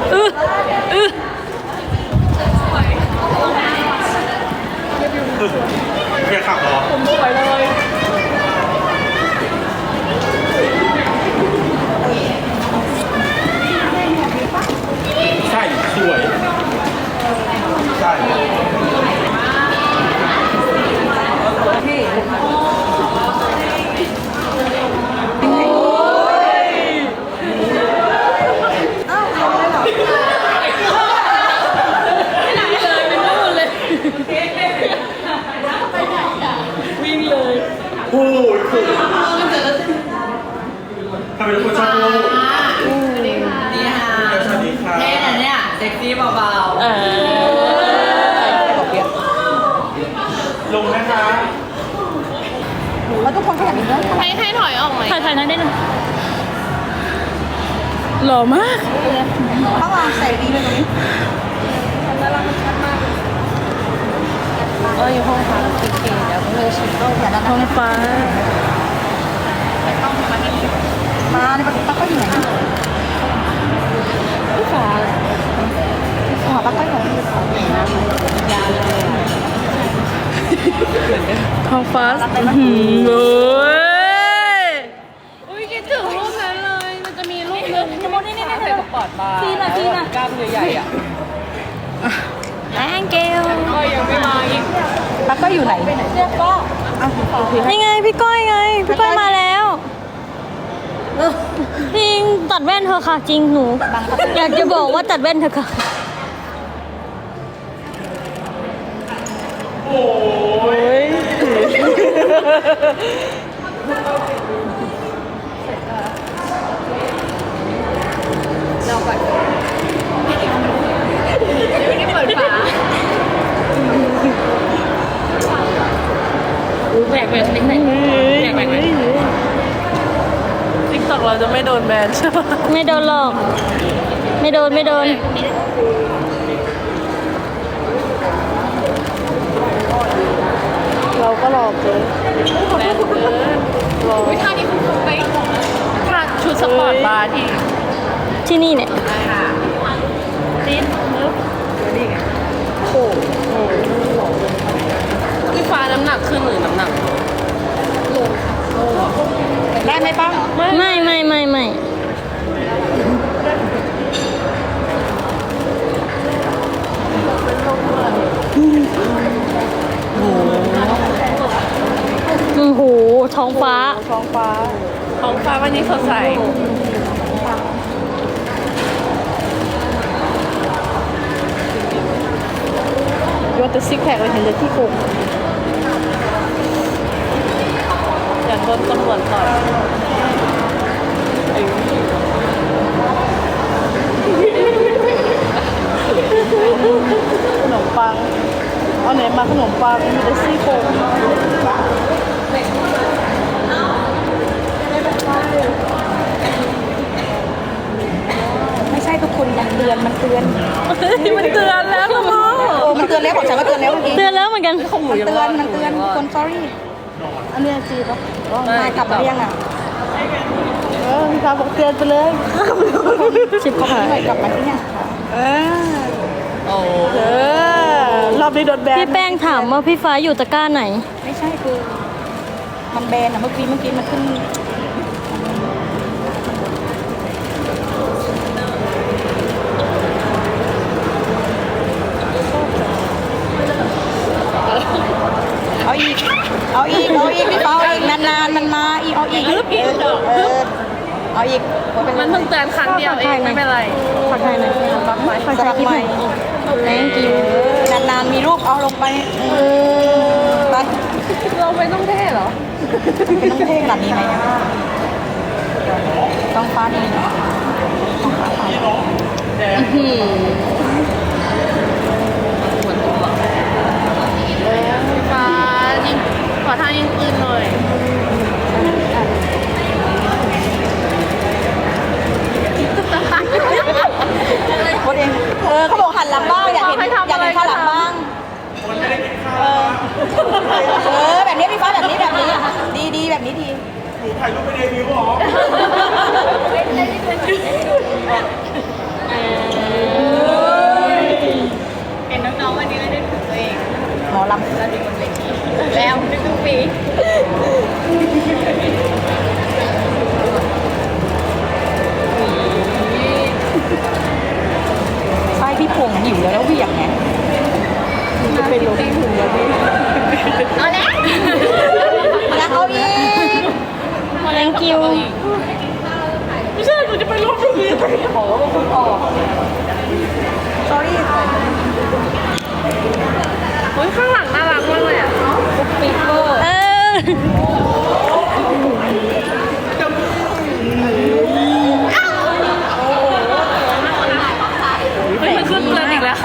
อื้ออื้อแกขับเหรอผมสวยเลยใช่สวยใช่วิ่งเลยโอ้ยสุดทำไมทุกคนชอบพูดนี่ค่ะสวัสดีค่ะเท่นะเนี่ยเซ็กซี่เบาลงนะคะแล้วทุกคนขยันอีกแล้วให้ถอยออกไหมถ่ายนั้นได้หนึ่งหล่อมากต้องลองใส่ดีเลยตรงนี้อยู่ห้องพักเก๋ๆเดี๋ยวเพื่อนชิมต้องอย่าดันท้องฟ้ามาในปลั๊กก็อยู่ไหนนะพี่ฟ้าหัวปลั๊กก็อยู่ไหนท้องฟ้าโอ้ยอุ้ยคิดถึงรูปนั้นเลย มันจะมีรูปนึงที่มดนี่ใส่กระป๋องบาร์ซีน่ะกล้ามใหญ่ๆอ่ะแองเกลก็ยังไม่มาอีกปลั๊กก็อยู่ไหนเรียกก็เอานี่ไงพี่ก้อยไง พี่ก้อยมาแล้วจริงตัดแว่นเธอะค่ะจริงหนู อยากจะบอกว่าตัดแว่นเธอะค่ะโอ้ยแบกแบบนี้แบกแบบนี้ติ๊กต็อกเราจะไม่โดนแบนใช่ปะไม่โดนหรอก ไม่โดนไม่โดน เราก็รอเกินแบนเกินรอท่านี้คุณไปท่าชุดสปอร์ตบาร์ที่นี่เนี่ยติ๊ดนึกโอ้โหพี่ฟ้าน้ำหนักขึ้นหรือน้ำหนักได้ไหมป้องไม่โอ้โหท้องฟ้าท้องฟ้าวันนี้สดใสยกแต่ซิกแพคเลยเห็นเลยที่โกงอยากโดนตำรวจต่อยขนมปังเอาไหนมาขนมปังมีแต่ซี่โครงไม่ใช่ทุกคนมันเตือนมันเตือนแล้วละมั้งโอ้มันเตือนแล้วบอกฉันว่าเตือนแล้วเมื่อกี้เตือนแล้วเหมือนกันมันเตือนคน sorry อันนี้จีบปะมากลับมายังอ่ะพี่ฟ้าบอกเตือนไปเลยชิบหายกลับมาที่เนี่ยรอบนี้โดนแบนพี่แป้งถามว่าพี่ฟ้าอยู่ตะกร้าไหนไม่ใช่คือมันแบนอ่ะเมื่อกี้มันขึ้นเอาอีกพี่เปาเอาอีกนานๆมันมาอีกเอาอีกเอาอีกมันเพิ่งเตือนครั้งเดียวเองไม่เป็นไรผักไทยหน่อยผักใหม่สลับใหม่ thank you นานๆมีรูปเอาลงไปไปเราไม่ต้องเท่เหรอเป็นต้องเท่ขนาดนี้ไหมต้องฟ้าดีเนาะต้องฟ้าดีฟ้ายิงขอทางยิงปืนหน่อยคนเองเขาบอกหันหลังบ้างอยากเห็นข้างหลังบ้างแบบนี้พี่ฟ้าแบบนี้ดีแบบนี้ดีหนูถ่ายรูปไปเดบิวต์เหรอเห็นน้องๆวันนี้ก็ได้ถึงตัวเองหมอลำแล้วถึงบนเวทีแล้วทุกปีไส้พี่พงหิวแล้วเหวี่ยงไงจะเป็นลมถึงแล้วพี่เอาแล้วอยากเอาอีก thank you ไม่ใช่หนูจะไปลบทุกทีขอว่าคุณออก sorry เฮ้ยข้างหลังน่ารักมากเลยอ่ะปีเกอร์เฮ้ยมันขึ้นเรือนอีกแล้ว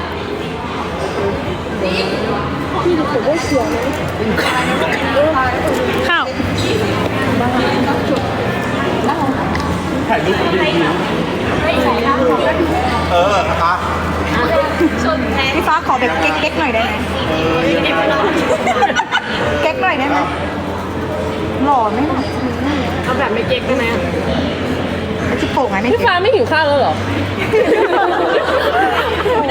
ข้าวถ่ายรูปกับพี่ตาพี่ฟ้าขอแบบเก๊กๆหน่อยได้ไหมเก๊กหน่อยได้ไหมหล่อไหมล่ะเอาแบบไม่เก๊กได้ไหมไอ้ที่โป่งไงไม่พี่เก๊กฟ้าไม่หิวข้าวแล้วเหรอไ